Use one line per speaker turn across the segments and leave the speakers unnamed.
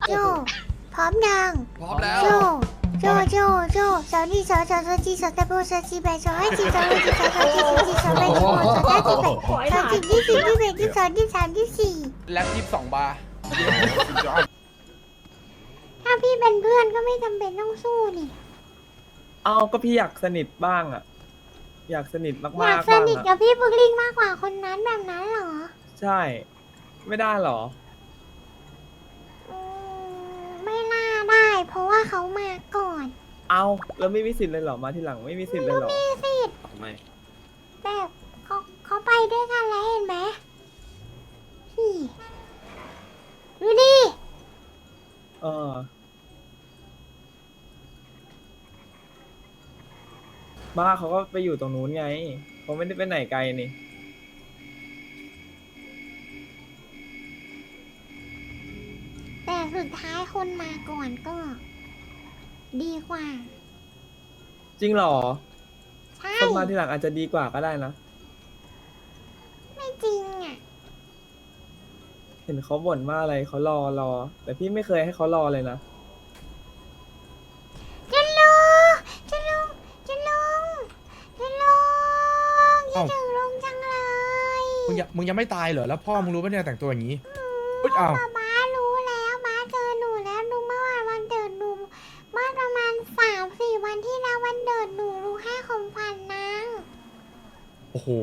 โจพร้อมยัง
พร้อมแล้ว
โจโจสาวนี่สาวจีสาวตะโบสาวจีแบสาวให้จีสาวให้จีสาวจีสาวจีสาวแบสาวสาวจีแบสาวจีที่สี่ที่แบที่สองที่สามที่สี่
แล็บ22 บาร์
ถ้าพี่เป็นเพื่อนก็ไม่จำเป็นต้องสู้นี่
เอาก็พี่อยากสนิทบ้างอ่ะ อยากสนิทมากๆ
อยากส
บ้าง
นิท
อ่ะ
กับพี่บุกลิงมากกว่าคนนั้นแบบนั้นเหรอ
ใช่ ไม่ได้หรอ
อืมไม่น่าได้ เพราะว่าเขามาก่อน
เอาแล้วไม่มีสิทธิ์เลยเหรอ มาทีหลังไม่มีสิทธิ์เลยเหรอ
มีสิทธิ์
ไม่
แบบเขาไปด้วยกันแล้วเห็นไหมนี่ดูดิ
เออบ้าเขาก็ไปอยู่ตรงนู้นไง เขาไม่ได้ไปไหนไกลนี่
แต่สุดท้ายคนมาก่อนก็ ดีกว่า
จริงเหรอ
ใช่
คนมาทีหลังอาจจะดีกว่าก็ได้นะ
ไม่จริงอ่ะ
เห็นเขาบ่นว่าอะไรเขารอ แต่พี่ไม่เคยให้เขารอเลยนะ
จะลุงคิดถึงลุงจังเลย
มึงยังไม่ตายเหรอ แล้วพ่อมึงรู้ปะเนี่ยแต่งตัวอย่างนี้อุ๊ยอ้าว
ม้ารู้แล้วม้าเจอหนูแล้วลุงเมื่อวานวันเกิดหนูเมื่อประมาณ3-4 วันที่แล้ววันเกิดหนูลุงให้ของขวัญนาง
โอ้โห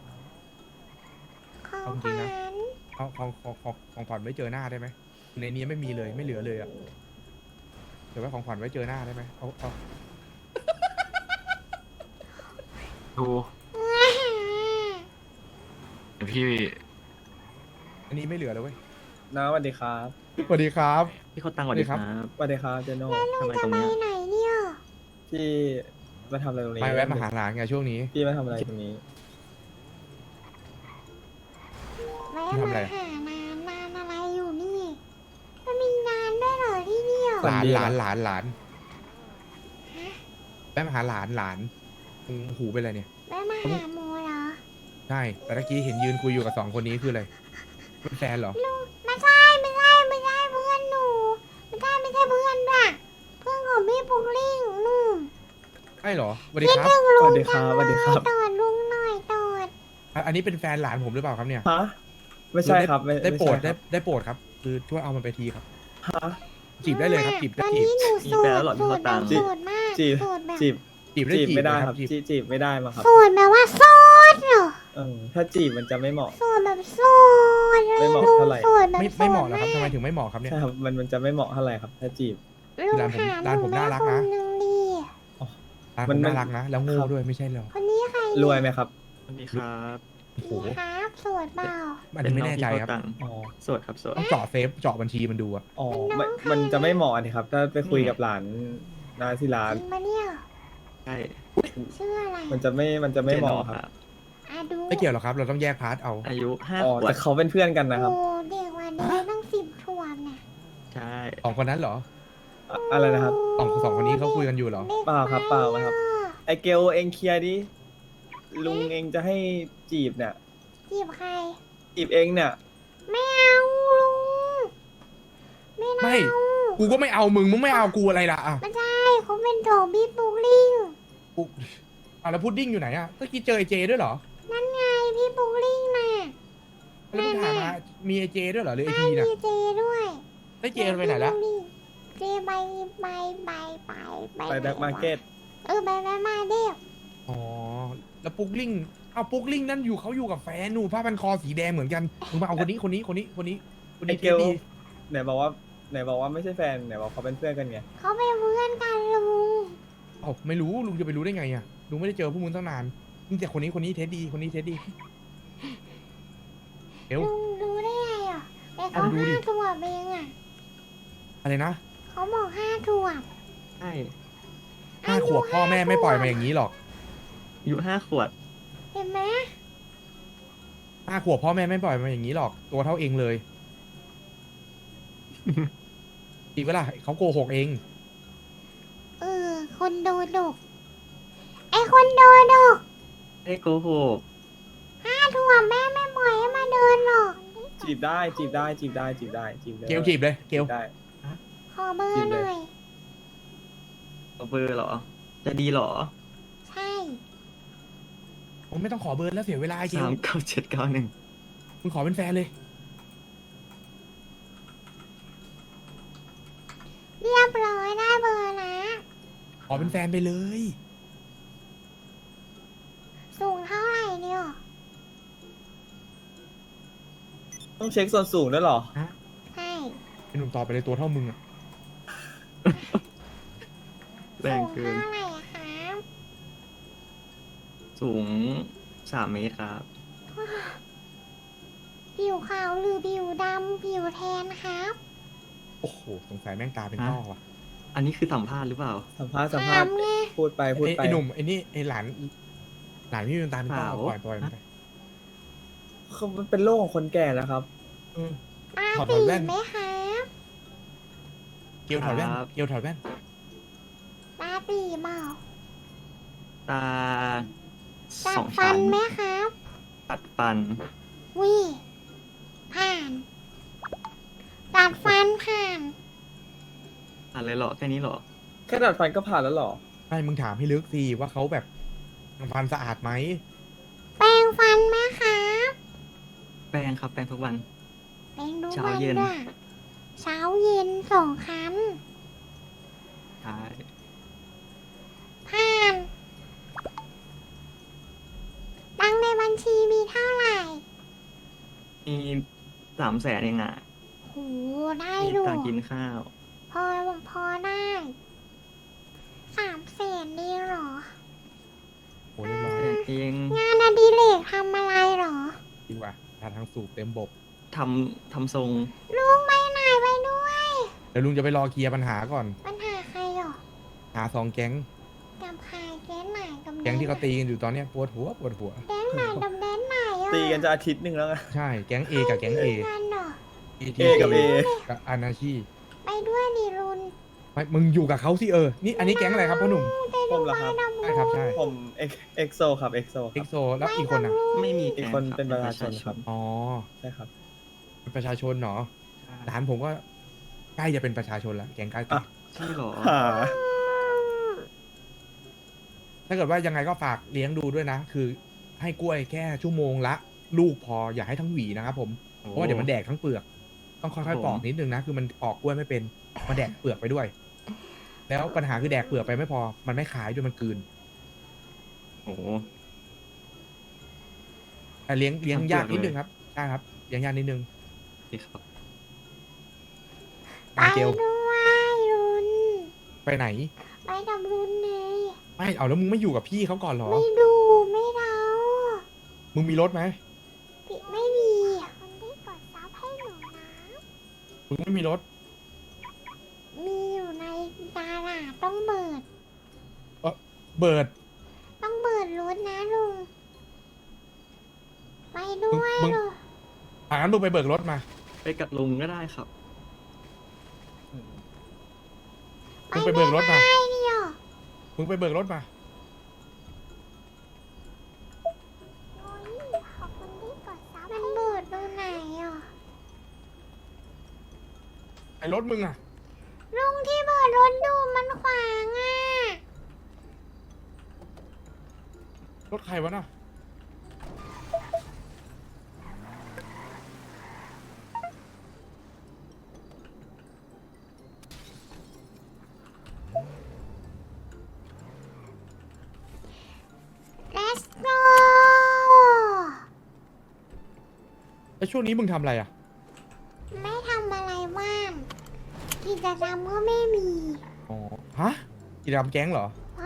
ของ
เอา
ข
จริง
วั
นะ
ญ
เอาของขวัญไว้เจอหน้าได้ไหมในนี้ไม่มีเลยไม่เหลือเลยอะเดี๋ยวไว้ของขวัญไว้เจอหน้าได้ไหมเอา
ดูเดี๋ยวพี่
อันนี้ไม่เหลือเลยเว้ย
นะสวัสดีครับ
สวัสดีครับ
พี่เขาตังค์สวัสดีครับ
สวัสดีครับเจโน่
ทำไม
จะ
ตรง
ไป
เนี้ย
ไหนเนี่ย
พี่มาทำอะไรตรงนี้
ไปแวะมาหาหลานไงช่วงนี้
พี่มาทำอะไรตรงนี้
แวะมาหานานอะไรอยู่นี่มันมีงานด้วยเหรอที่เนี่ย
หลานแวะมาหาหลานหูเป็นอะไรเนี่ย
แวะมาหาโมเหรอ
ใช่ แต่ตะกี้เห็นยืนคุยอยู่กับ2 คนนี้คืออะไรเป็นแฟนเหรอ
ไม่ใช่เพื่อนหนูไม่ใช่เพื่อนด้วยเพื่อนของพี่ปุกลิงนู่น
ใช่เหรอสวัสดี
คิด
ครับ
ถึงลุ
สวั
ง
สดีค
จั
รับ
ง
สวัสดีครับ
ตอดลุงหน่อยตอด
อันนี้เป็นแฟนหลานผมหรือเปล่าครับเนี่ย
ฮะ ไม่ใช่ครับ
ได้โปรด
ม่ใช่ครับ
ได้โปรดครับ คือช่วยเอามันไปทีครับ
ฮะ
จีบได้เลยครับจีบ
ต
ได้
อน
จีบ
นี้หนู
มี
โส
แฟ
ด
นแล้วเหรอพี่
โส
เขา
ด
ตังค์
โสดมาก
จีบ
โสดแบบ
จีบ
จีบได้
จีบ
จีบ
ไม่ได้
นะ
ครับ
จีบ
จีบไม่ได้มาครับ
โสดแบบว่าโสดเหรอ
ถ้าจีบมันจะไม่เหมาะ
โสดแบบโสดเลย
ไม่เหมาะเท่าไหร่
โสดแบบ
ไม่เหมาะเหรอครับทำไมถึงไม่เหมาะครับเนี่ย
ใช่ครับ มันจะไม่เหมาะเท่าไหร่ครับ ถ้าจีบ
ลุงหา
ร้านผม
ห
น่ารักนะ
คนึงดี
ร้านผ
มัน
มน่ารักนะ แล้วโง่
ครับ
ด้วยไม่ใช่เหรอ
คนนี้ใคร
รวยไหมครับ
สวัสดีครับ
โอ้โห
ดีครับโสดเปล่า
อันนี้ไม่แน่ใจครับ
เป็นน้องพี่เขาตังค์
อ๋อ
โสดครับโสด
ต้องเจาะเซฟเจาะบัญชีมันดูอะ
อ๋อมันจะไม่เหมาะนี่ครับ ถ้าไปคุยกับหลานนาที่ร้าน
จริงปะเนี่ย
ใช่
ชื่ออะไร
มันจะไม่เหมาะครับ
อ่ะดู
ไม่เกี่ยวหรอกครับ เราต้องแยกพาร์ทเอา
อายุห้า
อ๋อ
ขว
แต่
บ
เขาเป็นเพื่อนกันนะครับ
โอ้เด็กกว่านี้ต้อง10 ขวบน่ะ
ใช่
2 คนนั้นเหรอ
อะไรนะครับ
สองคนนี้เขาคุยกันอยู่เหรอ
ด็ก
เปล่าครับเปล่าครับ ไอเกลเองเคลียร์ดิ ลุงเองจะให้จีบเนี่ย
จีบใคร
จีบเองเนี่ย
ไม่เอาลุงไม่
ไม่
เอา
กูก็ไม่เอามึงไม่เอากูอะไรล่ะอ่ะ
ไม่ใช่เขาเป็นโถบี้ปุกลิง
กูแล้วพุดดิ้งอยู่ไหนอ่ะเมื่อกี้เจอไอเจด้วยเหรอ
นั่นไงพี่ปุกลิงน่ะ
แล้วมึงถามมามีไอเจด้วยเหรอหรือไอพี
มี
น่ะ
เจด้วย
ไอเจมันไปไหนละ
เจไป
ไปแบ็คมาร์เก็ต
ไปมาเด็ก
อ๋อ แล้วปุ๊กลิงเอาปุ๊กลิงนั่นเขาอยู่กับแฟนหนูผ้าพันคอสีแดงเหมือนกันมึงมาเอาคนนี้
ไอ
เท
เก
ส
ล
ดี
ไหนบอกว่าไม่ใช่แฟนไหนบอกเขาเป็นเพื่อนกันไง
เขาเป็นเพื่อนกันลุง
เอ้าไม่รู้ลุงจะไปรู้ได้ไงอ่ะลุงไม่ได้เจอพวกมึงตั้งนานมึงแต่คนนี้เทสดีเอว
ลุงรู้ได้ไงอ่ะแต่เขา
ดูดิ
5 ขวบเองอ่ะ
อะไรนะ
เขาบอก5 ขวบ
ใช่
5 ขวบพ่อแม่ไม่ปล่อยมาอย่างนี้หรอก
อายุ5 ขวบ
เห็นไหม
5 ขวบพ่อแม่ไม่ปล่อยมาอย่างนี้หรอก ตัวเท่าเองเลย อีกเวลาเขาโกหกเอง
คนโดดกไอคนโดดก
ไอ้โกหก
5 ขวบแม่ไม่ปล่อยให้มาเดินหรอก
จีบได้เลย
เกลจีบเลยเกล
ได้
ขอเบอร์หน่อย
เอาเบอร์เหรอ จะดีเหรอ
ใช่
ผมไม่ต้องขอเบอร์แล้วเสียเวลาไอ้เกล
39791
มึงขอเป็นแฟนเลย
เรียบร้อยได้เบอร์นะ
ขอเป็นแฟนไปเลย
สูงเท่าไหร่เนี่ย
ต้องเช็คส่วนสูงด้วยเหรอ
ใช่
ไอ้หนุ่มตอบไปเลยตัวเท่ามึงอะ
แร
สู
ง
ง
เกิน
เท่าไหร่อะครับ
สูง3 เมตรครับ
ผิวขาวหรือผิวดำผิวแทนครับ
โอ้โหสงสัยแม่งตาเป็น
ฮะ
ต้อว่ะ
อันนี้คือสัมภาษณ์หรือเปล่า
สัมภาษณ์
ถามไง
พูดไปพูดไป
ไอ้หนุ่มไอ้นี่ไอ้หลานพี่เป็นตาเป็นต้อ
เปล่า
ปล่อยมันไป
คือมันเป็นโรคของคนแก่นะครับ
เออ
ตา
ถอด
ตี
แว่น
ไหมครับ
เกลถอดแว่น
ครับ
เกลถอดแว่น
ตาตีเปล่า
ตา
จัด
สอง
ฟั
ชั้
น
น
ไหมครับ
ตัดฟัน
วิผ่านตัดฟันผ่าน
อะไรเหรอ แค่นี้เหรอ
แค่ดัดฟันก็ผ่านแล้วเหรอ
ไม่มึงถามให้ลึกสิว่าเขาแบบฟันสะอาดไหม
แปรงฟันไหมครับ
แปรงครับ แปรงทุกวัน
แปรงทุก
เช้า
วัน
เย็น
ด้วยเช้าเย็น2 ครั้ง
ใช่
ผ่านตังค์ในบัญชีมีเท่าไหร่
มี300,000เองอ่ะ
โหได้
มี
อยู่
ตังค์กินข้าว
พอได้300,000ดีเหรอ
โอ้เรียบร้อย
แต่เอง
งานอดิเรกทำอะไรเหรอ
ดีกว่าทาทางสูบเต็มบบ
ทำทรง
ลุงไปไหนไปด้วย
เดี๋ยวลุงจะไปรอเคลียร์ปัญหาก่อน
ปัญหาใครเหรอ
หา2 แก๊ง
กับใครแก๊งไหนกับ
แก๊งที่เขาตีกันอยู่ตอนเนี้ยปวดหัว
แก๊งไหนกับแก๊งไหนอ่ะ
ตีกันจะอาทิตย์หนึ่งแล้วไง
ใช่ แก๊ง A กับแก๊ง A
ตีกันเหรอ
A กับ A
กับอานาชี
ไปด้วยดิรุน
ไม่มึงอยู่กับเขาสินี่อันนี้แก๊งอะไรครับพ่อหนุ่ม
ผมเหรอครับ
ใช่ครับใช่
ผมเอ็กโซครับเอ็กโซค
เอ็
รั
ก
บ
โซแล้วอีกคนอ่ะ
ไม่มี
อีก
แง
คน
รับ
เป็นประชาชนครับ
อ๋อ
ใช่ครับ
เป็นประชาชนเนาะ
ใช่
หลานผมก็ใกล้จะเป็นประชาชนละแก๊งใกล้ติ
อ่ะ
ใช่เหรอ
หา
ถ้าเกิดว่ายังไงก็ฝากเลี้ยงดูด้วยนะ คือให้กล้วยแค่ชั่วโมงละลูกพออย่าให้ทั้งหวีนะครับผมเพราะว่าเดี๋ยวมันแดกทั้งเปลือก ต้องค่อยๆปอกนิดนึงนะคือมันปอกกล้วยไม่เป็นมันแดกเปลือกไปด้วย แล้วปัญหาคือแดกเปลือกไปไม่พอ มันไม่ขายด้วยมันกลืน
โอ้โห
แต่เลี้ยง
ทั้งเปลือก
ยากนิด
เลย
นึงครับใช่ครับเลี้ยงยากนิดนึง
ดีครับ
ไป
มาเกล
ด้วยรุน
ไปไหน
ไปกับรุนเลย
ไม่เอาแล้วมึงไม่อยู่กับพี่เขาก่อนเหรอ
ไม่ดูไม่เดา
มึงมีรถไหม
ปิดไม่ดีคนที่กดซับให้หนูนะ
มึงไม่มีรถ
มีอยู่ในดาราต้องเบิด
เบิร์ด
ต้องเบิดรถนะลุง ไปด้วย
มึง
เหรอ
งั้นมึงไปเบิกรถมา
ไปกับลุงก็ได้ครับ
มึงไปเบิกรถมา
ไปเดียว
มึงไปเบิกรถมา
โอ้ยขอบคุณที่กดซับมันเบิดตรงไหนอ่ะ
ไอ้รถมึงอะ
ลุงที่เบิดรถดูมันขวางอ่ะ
รถใครวะน่ะ
Let's go
แล้วช่วงนี้มึงทำอะไรอะ
ไม่ทำอะไรว่างกิจกรรมก็ไม่มี
อ๋อฮะกิจกรรมแก๊งเหรอ
ไม่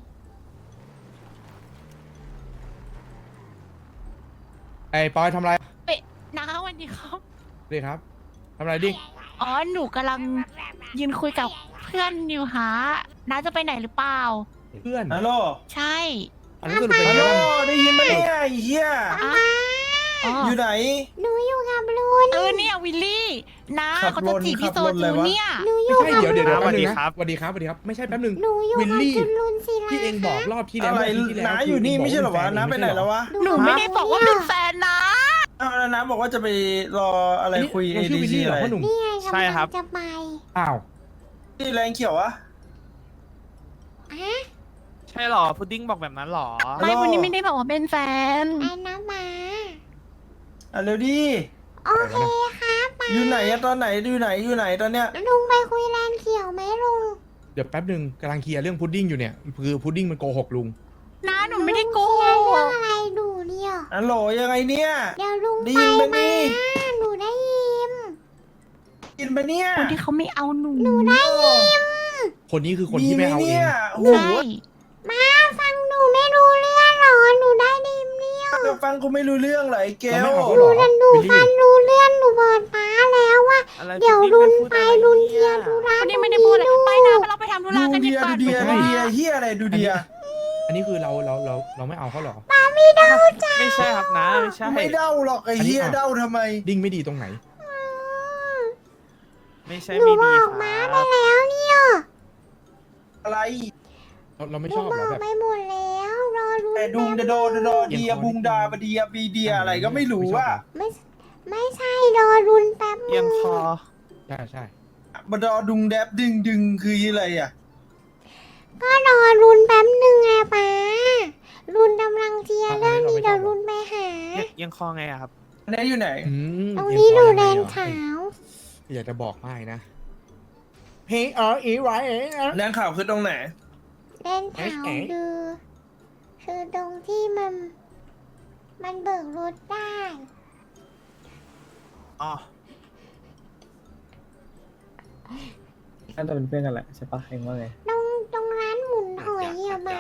ไอ้ปอยทำอะไร
น้าวันนี้ครับ
ดิครับทำอะไรดิ
อ๋อ หนูกำลังยืนคุยกับเพื่อนอยู่ฮะน้าจะไปไหนหรือเปล่า
เพื่อน
ฮัลโหล
ใช่
อันนี้สรุปเป็น
ฮัล
ไง
โหล
บ้าง
ได้ยินไหมเนี่ยไอ้เหี้ย
อ่ะอ๋อ
อยู่ไหน
หนูอยู่กับลุน
เนี่ยวิลลี่น้า
ขับ
เขาจะจีบพี่โซ
ขับรถเล
จู
ยวะ
เนี่ย
หนูอ
ไม่
ยู่
ใช่
กับ
เดี๋ยว
ลุน
แป๊บนึงนะสวัสดีครับสวัสดีครับไม่ใช่แป๊บนึง
หนูอยู่
วิล
กับ
ลี่
จุนลุนศิลา
ที่เองบอกรอบที่แล้ว
อะไร
เมื่อที่ที่แล้ว
น้าอยู่นี่ไม่ใช่เหรอวะน้าไปไหนแล้ววะ
หนูไม่ได้บอกว่าเป็นแฟนนะ
อ้าวแล้วน้าบอกว่าจะไปรออะไรคุย
เราชื่อวิลลี่เหรอพ่อหนุ่ม
นี่ไง
ใช่ครับ
กำลังจะไป
อ้าว
นี่แรงเขียววะ
ฮะ
ใช่หรอ พุดดิ้งบอกแบบนั้นหรอ
ไม่วันนี้ไม่ได้บอกว่าเป็นแฟน
ไอ้น้ำหมา
อ่ะเร็วดิ
โอเคครับมา
อยู่ไหนอะตอนไหนอยู่ไหนตอนเนี้ย
ลุงไปคุยแลนเขียวไหมลุง
เดี๋ยวแป๊บหนึ่งกำลังเคลียร์เรื่องพุดดิ้งอยู่เนี่ยคือพุดดิ้งมันโกหกลุง
น้าหนูไม่ได้โก
เรื่อง
หก
อะไรดูเนี่ย
อัลโหลยังไงเนี่ย
เดี๋ยวลุง
ได้
ไป
ยินไหม
มา
นี่
หนูได้ยิน
กินไปเนี่ย
คนที่เขาไม่เอาหนู
หนูได้ยิน
คนนี้คือคนที่ไม่เอาเอง
โอ้โห
ใช่
มาฟังหนูไม่รู้เรื่องหรอหนูได้ยินเนี่ย
จะฟังกูไม่รู้เรื่องเหรอไอ้เก
เรา
ล
ไม่เอาเขาหรอ
หนู
วิล
ฟั
ลี่
งรู้เรื่องหนูบอกป้าแล้วว่า
อะไร
เดี๋ยว
พุ
รุ
ด
น
ดิ้ง
ไป
พูด
รุน
อะ
เทีย
ร
ดู
นี่
ร้าน
วันนี้ไม่ได้พูดอะไรไปนะเราไปทำธุระกันดีกว่า
ดูเดียเฮียอะไรดูเดีย
อันนี้คือเราไม่เอาเขาหรอ
ไม่ใช่ครับนะ ไม่ใช่
ไม่เด้าหรอกไอ้เฮียเด้าทำไม
ดิ้งไม่ดีตรงไหน
ไม่ใช่
หนู
ไม่
บ
ดี
อก
ค
ม้า
รับ
ไปแล้วเนี่ย
อะไร
เราไม่
หนู
ชอบบ เหร
อ
อก แบบ
ไปหมดแล้วรอรุน
แต่ดุงโดเดียบุงดาบเดียบีเดียอะไรก็ไม่รู้ว่า
ไม่ใช่รอรุนแป๊บ
เอียงคอ
ใช่
บดอดุงแดบดึงคืออะไรอ่ะ
ก็รอรุนแป๊บหนึ่งไงป้ารุนกำลังเทียร์เรื่องนี้เดี๋ยวรุนไปหา
เอียงคอไงอะครับ
อันนี้อยู่ไหน
ตรงนี้ดูแดนขาว
อยากจะบอกไม่นะเฮ้ยอีไร
แรงข่าวคือตรงไหน
แดนขาวคือตรงที่มันเบิกรถได้
อ๋อ
น่าจะเป็นเพื่อนกันแหละใช่ปะเองว่าไง
ตรงร้านหมุนหอยอะมา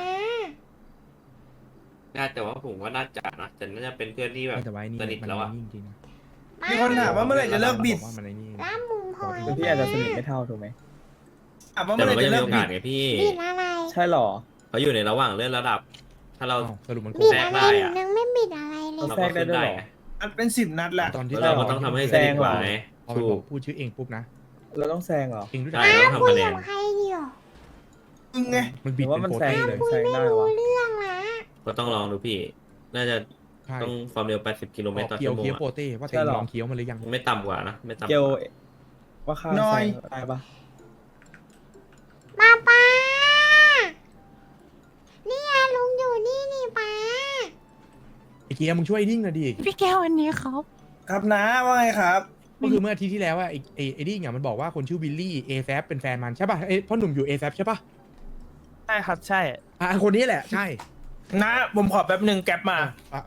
น่าแต่ว่าผมว่าน่าจะนะแต่น่าจะเป็นเพื่อนที่แบบ
แต่ว่านี่
สนิทแล้วอะ
จริงๆนะ
มีคนถามว่าเมื่อไหร่จะเลิกบิด
ว่ามันไอ้นี่
ร้านหมุนหอย
พี่อาจจะสนิทไม่เท่าถูกไหม
ถามว่า
แต่
เมื่อไห
มัน
ร่
ก็
จะ
ยัง
เลิ
มี
ก
โอ
บิ
กา
ด
สไงพี่
บิดอะไร
ใช่หรอ
เขาอยู่ในระหว่างเลื่อนระดับ ถ้าเรา
สรุปมัน
บิด
แทรก
อะไร
ได้
หนู
อะ
ยังไม่บิดอะไรเลย
เรา
แทร
ก็
กได้
ขึ้น
ด้วย
ได้
เหรอ
ไง
อันเป็น10 นัดแหละ
ตอนที่
แล้วเราก็ต้องทำให้สนิทกว่าไง
พอมัน
ถู
บอก กพูดชื่อเองปุ๊บนะ
เราต้องแซงเหรอ
เองรู้จัก
ใช่เราต้อง
คุ
ทำ
ย
คะแน
กัน บใครเดียว
มึงไง
มันบิด
หรือว่า
เป็น
มัน
โปร
แซง
ตีเลย
คุย
แซง
ไม่
ได้เหร
รู้
อ
เรื่องละ
ก็ต้องลองดูพี่ น่าจะ
ใช่
ต้องความเร็ว 80 กิโลเมตรต่อ
เคี้ย
ชั่
ว
วโมง
เคี้ยวโปร
อะ
ตีว่า
ใช่
เอง
หรอ
ลองเคี้ยวมันหรือยัง
ไม่ต่ำกว่านะ ไม่ต่ำก
เกล
ว่า
ว่าข้า
น้อย
แซงได้ปะ
มาป้านี่ไงลุงอยู่นี่นี่ป้า
ไอ้เกียร์มึงช่วยดิ้งหน่อยดิ
พี่แก้วอันนี้ครับ
ครับนะว่าไงครับ
ก็คือเมื่ออาทิตย์ที่แล้วอะไอ้ดิ้งอะมันบอกว่าคนชื่อวิลลี่เอแซเป็นแฟนมันใช่ป่ะไอ้พ่อหนุ่มอยู่เอแซใช่ป่ะ
ใช่ครับใช่
คนนี้แหละใช่
นะผมขอแป๊บหนึ่งแก๊ปมา
อ่ะ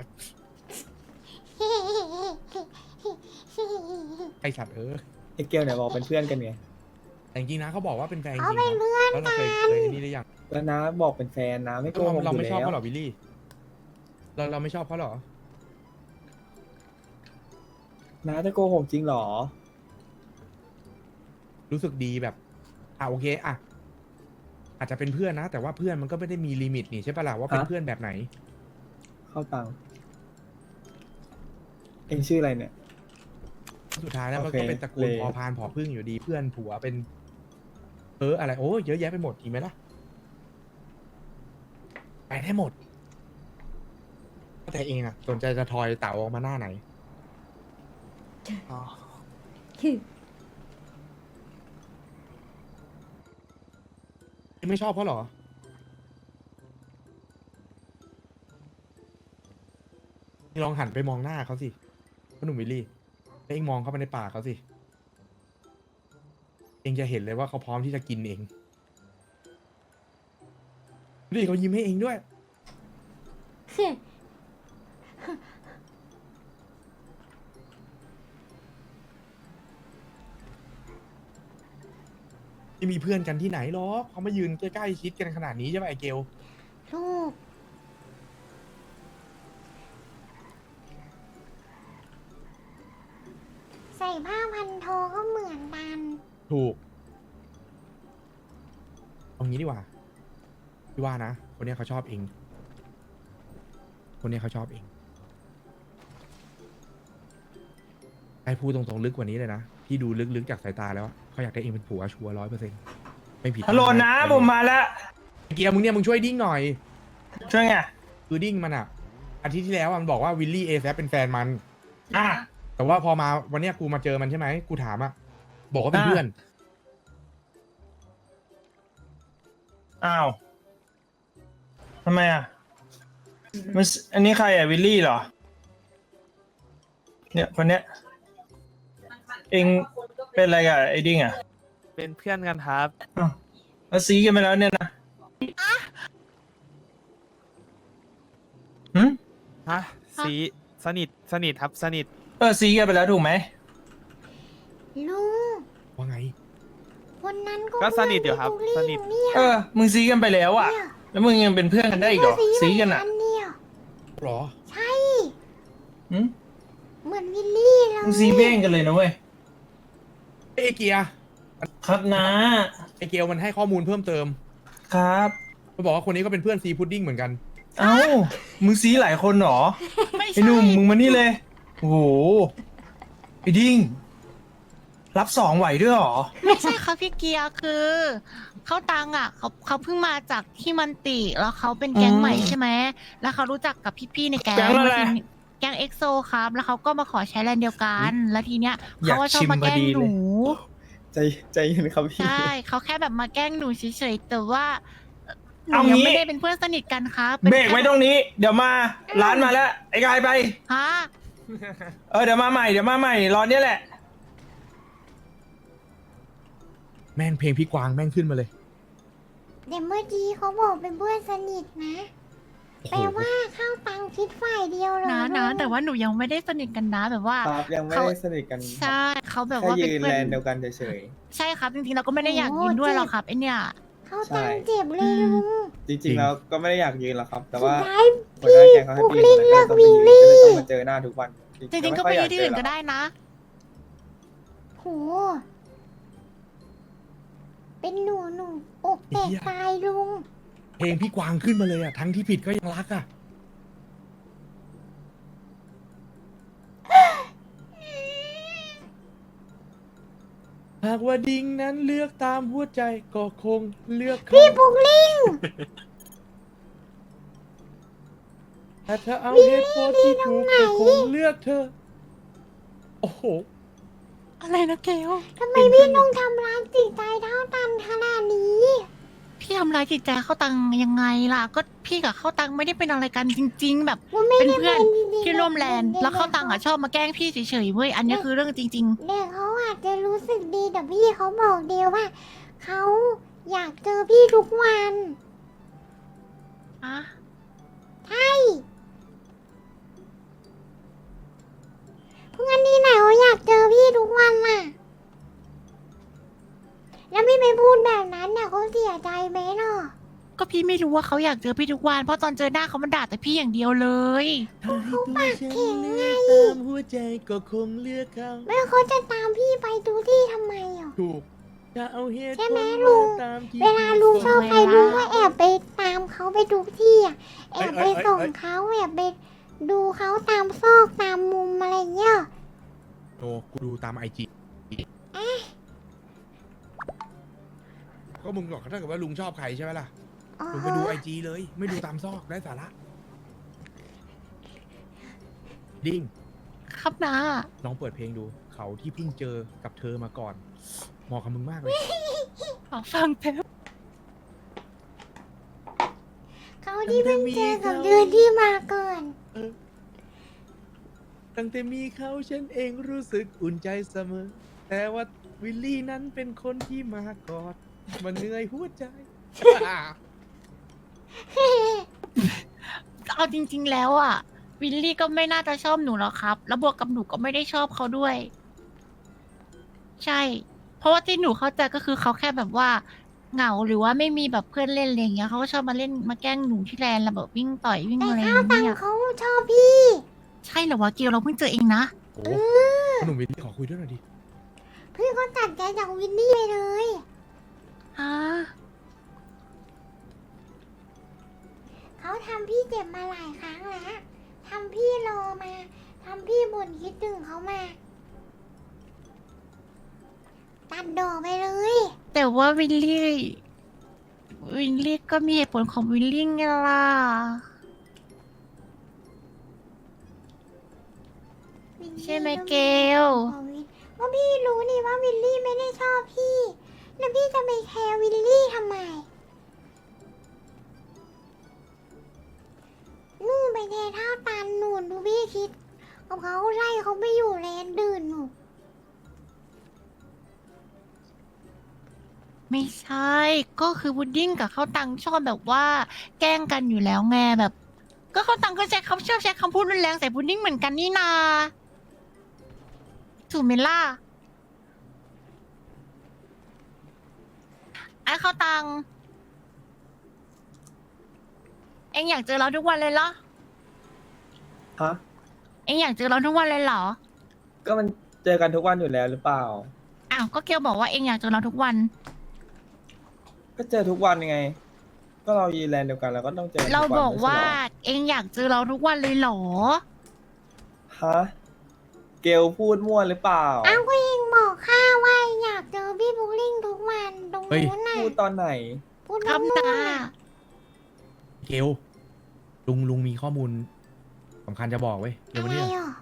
ไอสัตว์
ไอ้เกลเนี่ยบอกเป็นเพื่อนกันไง
แต่จริงๆนะเขาบอกว่าเป็นแฟนจริง
เขา
ๆ
เป็น
นะ
เพื่อน
แล้วเราเคยนี่หรือยัง
แล้วนะบอกเป็นแฟนนะไม่โกหกอ
เรา
ยู่
ไม่ชอบ
แล้ว
เขาหรอวิลลี่เราไม่ชอบเขาหรอ
นะจะโกหกจริงเหรอ
รู้สึกดีแบบโอเคอะอาจจะเป็นเพื่อนนะ แต่ว่าเพื่อนมันก็ไม่ได้มีลิมิตนี่ใช่ปะล่ะว่าเป็น
ฮะ
เพื่อนแบบไหน
เข้าตังค์เองชื่ออะไรเนี่ย
สุดท้ายแล้วมัน
โอเค
ก็เป็นตระกูล
เลย
พอพานผอพึ่งอยู่ดีเพื่อนผัวเป็นอะไรโอ้เยอะแยะไปหมดจริงไหมล่ะไปได้หมดแต่เองอะสนใจจะทอยเต่าออกมาหน้าไหน
อ๋อ
เองไม่ชอบเขาเหรอเองลองหันไปมองหน้าเขาสิพ่อหนุ่มวิลลี่แล้วเองมองเข้าไปในปากเขาสิเองจะเห็นเลยว่าเขาพร้อมที่จะกินเองนี่เขายิ้มให้เองด้วย ไม่มีเพื่อนกันที่ไหนหรอกเขามายืนใกล้ๆชิดกันขนาดนี้ใช่ไหมไอเกล
ลูกใส่ผ้าพันโทก็เหมือนกัน
ถูกเอางี้ดีกว่าพี่ว่านะคนเนี้ยเขาชอบเอง คนเนี้ยเขาชอบเองไอ้พูดตรงๆลึกกว่านี้เลยนะพี่ดูลึกๆจากสายตาแล้วอะเขาอยากได้เองเป็นผัวชัวร์100%ไม่ผิด
ฮัลโหลนะผมมาแล้ว
ไอ้เกียร์มึงเนี่ยมึงช่วยดิ้งหน่อย
ช่วยไง
คือดิ้งมันอะอาทิตย์ที่แล้วอะมันบอกว่าวิลลี่เอแซเป็นแฟนมัน
อ่ะ
แต่ว่าพอมาวันเนี้ยกูมาเจอมันใช่ไหมกูถามอะบอกว่าเป็น
อ่า
เพื่อน
อ้าวทำไมอ่ะมันอันนี้ใครอ่ะวิลลี่เหรอเนี่ยคนเนี้ยเองเป็นอะไรกับไอ้ดิ้งอ่ะ
เป็นเพื่อนกันครับ
อ้าวแล้วซีกันไปแล้วเนี่ยนะหืม
ฮะสีสนิทครับสนิท
ซีกันไปแล้วถูกไหม
ลุง
ว่าไง
คนนั้นก็
ก็สนิทอยู่ครับ
เพื่
ส
อน
นิท
พี่
มึงซีกันไปแล้วอ่ะ
เนี่ย
แล้วมึงยังเป็นเพื่อนกันได้อีกเหรอซีกันอ่ะ
เนี่ย
หรอ
ใช่
หืม
เหมือนวิลลี่เลย
มึงซีเบ้งกันเลยนะเว้ย
เอยเกียร์
ครับนะ
ไอเกียวมันให้ข้อมูลเพิ่มเติม
ครับ
มันบอกว่าคนนี้ก็เป็นเพื่อนซีพุดดิ้งเหมือนกัน
เอ้ามึงซีหลายคนเหรอ
ไม่
ไอ้
ใช่
หนุ่มมึงมานี่เลยโอ้โหไอ้ดิ้งรับสองไหวด้วยเหรอ
ไม่ใช่ครับพี่เกียร์คือเขาตังอ่ะเขาเพิ่งมาจากที่มันติแล้วเขาเป็นแก๊งใหม่ใช่ไหมแล้วเขารู้จักกับพี่ๆในแก๊ง
แก๊งอะไร
แล้วทีนี้แก๊งเอ็กโซครับ แล้วเขาก็มาขอใช้แลนด์เดียวกัน แล้วทีเนี้ย
อยาก
เขาก็ชอบมาแกล้ง
ชิมพอดี
ห
เลย
นู
ใจเย็นครับพี่
ใช่เขาแค่แบบมาแกล้งหนูเฉยๆแต่ว่าหนู
เอา
ยัง
งี้
ไม่ได้เป็นเพื่อนสนิทกันครับป็น
เบรกไว้
แค่
ตรงนี้ เดี๋ยวมาร้านมาแล้ว ไอ้กายไป
ฮะ
เดี๋ยวมาใหม่รอเนี่ยแหละ
แม่งเพลงพี่กวางแม่งขึ้นมาเลย
เดี๋ยวเมื่อกี้เขาบอกเป็นเพื่อนสนิทนะ
โอ้
แปล
โห
ว่าเข้าตังคิดฝ่ายเดียวเลย
นะ
ลุง
แต่ว่าหนูยังไม่ได้สนิทกันนะแบบว่า
ครับยังไม่ได้สนิทกัน
ใช่เขาแบบ
แค่
ว่าเป็น
ยืน
เพื่
แล
อน
นเดียวกันเฉย
ใช่ครับจริงๆเราก็ไม่ได้อยากยืนด้วยหรอกครับไอเนี่ย
เข้าตังเจ็บเลยลุง
ๆ จริงๆแล้วก็ไม่ได้อยากยืนหรอกครับ แต่ว่า
สุดท้าย
หัวหน้าแก๊งเขาให้
ปุ๊ก
ปีน
ลิ้ง
แล้วก็ต้องไปยืน
เลิ
ก็
ก
เลย
วิ่
ต้อง
ง
มาเจอหน้าทุกวัน
จริงๆก็ไปที่อื่นก็ได้นะ
โหเป็นหนูอกแตกตายลุง
เพลงพี่กวางขึ้นมาเลยอ่ะ ทั้งที่ผิดก็ยังรักอ่ะ หากว่าดิ้งนั้นเลือกตามหัวใจก็คงเลือกเขา
พี่ปุ๊กลิ้ง
แต่ถ้าเอาเหตุผลที่ถูกก็คงเลือกเธอ โอ้โห
อะไรนะเกล
ทำไมพี่ต้องทำร้ายจิตใจเท่าตันขนาดนี้
พี่ทำร้ายจิตใจเข้าตังยังไงล่ะ ก็พี่กับเข้าตังไม่ได้เป็นอะไรกันจริง ๆ แบบ
มันไม่
เป็น
ได้
เพื่อน
จริงๆ
ที่ร่วมแลนด์
ด็กๆ
แล้วเข้าตังอ่ะชอบมาแกล้งพี่เฉยๆเว้ยอันนี้คือเรื่องจริง
เด็กเขาอาจจะรู้สึกดีแต่พี่เขาบอกเดียวว่าเขาอยากเจอพี่ทุกวัน
ๆอะ
ใช่เพราะงั้นนี่ไหนเขาอยากเจอพี่ทุกวันล่ะ แล้วพี่ไปพูดแบบนั้นเนี่ยเขาเสียใจไหมเนาะ
ก็พี่ไม่รู้ว่าเขาอยากเจอพี่ทุกวันเพราะตอนเจอหน้าเขามันด่าแต่พี่อย่างเดียวเลย
ถ้าให้ตัวฉันเลือกตามหัวใจก็คงเลือกเขา
แล้วเขาจะตามพี่ไปทุกที่ทำไมอ่ะ
ถูกจะเอาเหตุ
ใช่
ผ
ไหม
ล
ลุง
ตามที่
เวลาลุงชอบใครลุงก็แอบไปตามเขาไปทุกที่อ่ะแอบไปส่งเขาแอบไปดูเขาตามซอกตามมุมอะไรเงี้ย
โอ้กูดูตามไอจีก็มึงบอกถ้าเกิดว่าลุงชอบใครใช่ไหมล่ะ
อ๋อ
ลุงไปดูไอจีเลย ไม่ดูตามซอกได้สาระ ดิ้ง
ครับนะ
ลองเปิดเพลงดู เขาที่เพิ่งเจอกับเธอมาก่อนเหมาะกับมึงมากเลย
ขอฟังแป๊บ
เขาที่เพิ่งเจอกับเดือนที่มาก่อน
ตั้งแต่มีเขาฉันเองรู้สึกอุ่นใจเสมอ แต่ว่าวิลลี่นั้นเป็นคนที่มากอดมันเหนื่อยหัวใจ
เอาจริง ๆ แล้วอ่ะวิลลี่ก็ไม่น่าจะชอบหนูหรอกครับ แล้วบวกกับหนูก็ไม่ได้ชอบเขาด้วย ใช่ เพราะว่าที่หนูเข้าใจก็คือเขาแค่แบบว่าเหงาหรือว่าไม่มีแบบเพื่อนเล่นอะไรอย่างเงี้ยเขาก็ชอบมาเล่นมาแกล้งหนูที่แลนด์แล้วแบบวิ่งต่อยวิ่ง
แต่
อะไรอ
ข้าว
ย่าง
ตัง
เงี้ย
เขาชอบพี่
ใช่เหรอวะเกียวเราเพิ่งเจอเองนะ
โอ้หนุ่มวิลลี่ขอคุยด้วยหน่อยดิ
พี่ก็ตัดใจจากวินนี่ไปเลย
ฮะ
เขาทำพี่เจ็บมาหลายครั้งแล้วทำพี่รอมาทำพี่บ่นคิดถึงเขามา ตัดดอกไปเลย
แต่ว่าวิลลี่ก็มีเหตุผลของวิลลี่ไงล่ะ ใช่ไหมเกล
ว่าพี่รู้นี่ว่าวิลลี่ไม่ได้ชอบพี่ แล้วพี่จะไปแคร์วิลลี่ทำไมเท่าตันหนุนดูพี่คิดกับเขาไล่เขาไม่อยู่แลนดื่นหนู
ไม่ใช่ ก็คือพุดดิ้งกับข้าวตังชอบแบบว่า แกล้งกันอยู่แล้วไงแบบ ก็ข้าวตังก็ใช้คำชอบใช้คำพูดรุนแรงใส่พุดดิ้งเหมือนกันนี่นาถูกไหมล่ะไอ้ข้าวตัง เอ็งอยากเจอเราทุกวันเลยเหรอ
ฮะ
เอ็งอยากเจอเราทุกวันเลยเหรอ
ก็มันเจอกันทุกวันอยู่แล้วหรือเปล่า
อ้าว ก็เกลบอกว่าเอ็งอยากเจอเราทุกวัน
ก็เจอทุกวันไง ก็เรายีแลนด์เดียวกันแล้วก็ต้องเจอทุกวัน
เราบอกว่า
ไม่ใช่หร
เอ็งอยากเจอเราทุกวันเลยเหรอ
ฮะ เกลพูดมั่วหรือเปล่า
อ้าวก็ยิงบอกข้าว่าอยากเจอพี่บุ๊กลิงทุกวันตรงนู้นน่ะ
พูดตอนไหน
พูด
ครับ
นู่น
ตา
น่ะ
เกลลุงมีข้อมูลสำคัญจะบอกเว้ยเดี๋ยว
อะ
วัน
ไร
นี้
อ่ะ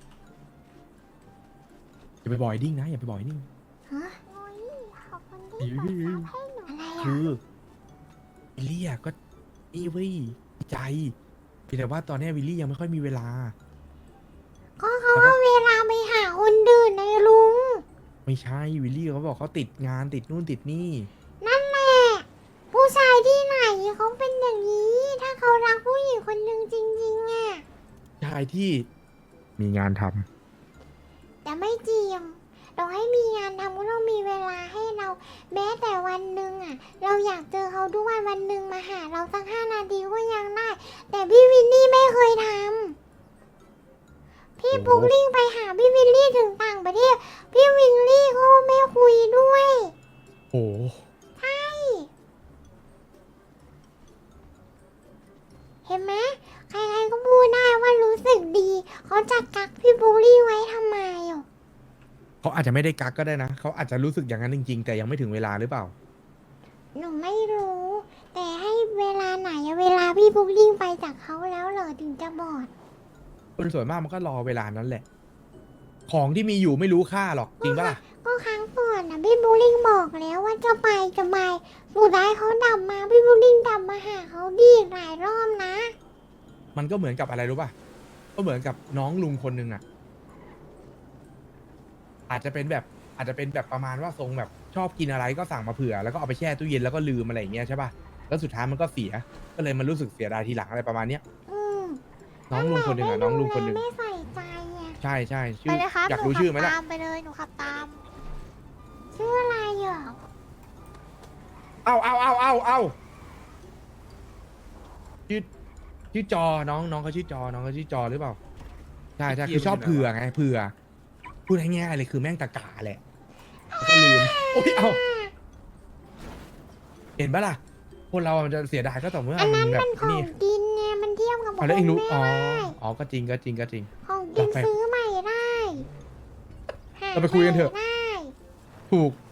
อย่าไปบ่อยดิ้งนะอย่าไปบ่อยดิ้ง
ฮะโอ้ยขอบคุณที่เปิดรับให้หนูอะไรอ่ะ
คือวิลลี่อะก็นี่เว้ยใจเพียงแต่ว่าตอนนี้วิลลี่ยังไม่ค่อยมีเวลา
ก็เขาเอาเวลาไปหาคนดื่นในลุง
ไม่ใช่วิลลี่เขาบอกเขาติดงานติดนู่นติดนี่
นั่นแหละ ผู้ชายที่ไหนเขาเป็นอย่างนี้ ถ้าเขารักผู้หญิงคนหนึ่งจริงๆอ่ะ
ชายที่มีงานทำ
แต่ไม่จริงเราให้มีงานทำก็ต้องมีเวลาให้เรา แม้แต่วันหนึ่งอ่ะ เราอยากเจอเขาทุกวันวันหนึ่งมาหาเราสัก5 นาทีก็ยังได้ แต่พี่วินนี่ไม่เคยทำพี่ปุ๊กลิงไปหาพี่วินลี่ถึงต่างประเทศ พี่วินลี่ก็ไม่คุยด้วย
โอ้
ใช่เห็นไหมใครๆก็พูดได้ว่ารู้สึกดี เขาจะกักพี่ปุ๊กลิงไว้ทำไมอ่ะ
เขาอาจจะไม่ได้กักก็ได้นะเขาอาจจะรู้สึกอย่างนั้นจริงๆ แต่ยังไม่ถึงเวลาหรือเปล่า
หนูไม่รู้ แต่ให้เวลาไหนอะเวลาพี่ปุ๊กลิงไปจากเขาแล้วเหรอถึงจะบอด
คนส่วนมากมันก็รอเวลานั้นแหละ ของที่มีอยู่ไม่รู้ค่าหรอกจริงปะล่ะ
ก็ครั้งก่อนนะพี่ปุ๊กลิงบอกแล้วว่าจะไปสุดท้ายเขาดับมาพี่ปุ๊กลิงดับมาหาเขาดีอีกหลายรอบนะ
มันก็เหมือนกับอะไรรู้ป่ะก็เหมือนกับน้องลุงคนหนึ่งอ่ะ อาจจะเป็นแบบประมาณว่าทรงแบบชอบกินอะไรก็สั่งมาเผื่อแล้วก็เอาไปแช่ตู้เย็นแล้วก็ลืมอะไรอย่างเงี้ยใช่ป่ะแล้วสุดท้ายมันก็เสียก็เลยมันรู้สึกเสียดายทีหลังอะไรประมาณเนี้ย
อืม
น้องลุงคนหนึ่งอ่ะน้องลุงคนหนึ่ง
ไม่ใส่ใจอะ
ใช่ใช่ชื่
ไป
อ
เลยครับ
อยากรู้ชื่อไหมล่ะ
ตามไปเลยหนูขับตาม ชื่ออะไรอ่ะ
เอาชื่อจอน้องเขาชื่อจอน้องเขาชื่อจอหรือเปล่าใช่คือชอบเผื่อไงเผื่อพูดง่ายๆเลยคือแม่งตะกาแหละแล้วก็ลืมโอ้ยเอาเห็นปะล่ะคนเรามันจะเสียดายก็ต่อเมื่อ
อันนั้น
แบ
มั
บ
นของ
นี่
กินไงมันเทียบกับ
เอาแล้วเองรู้
ไม่
อ๋อ
ได้
อ๋อก็จริง
ของกิน
ไป
ซื้อใหม่ได้ห
เราไปคุยกันเถอะ
ใหม่ได้
ถูก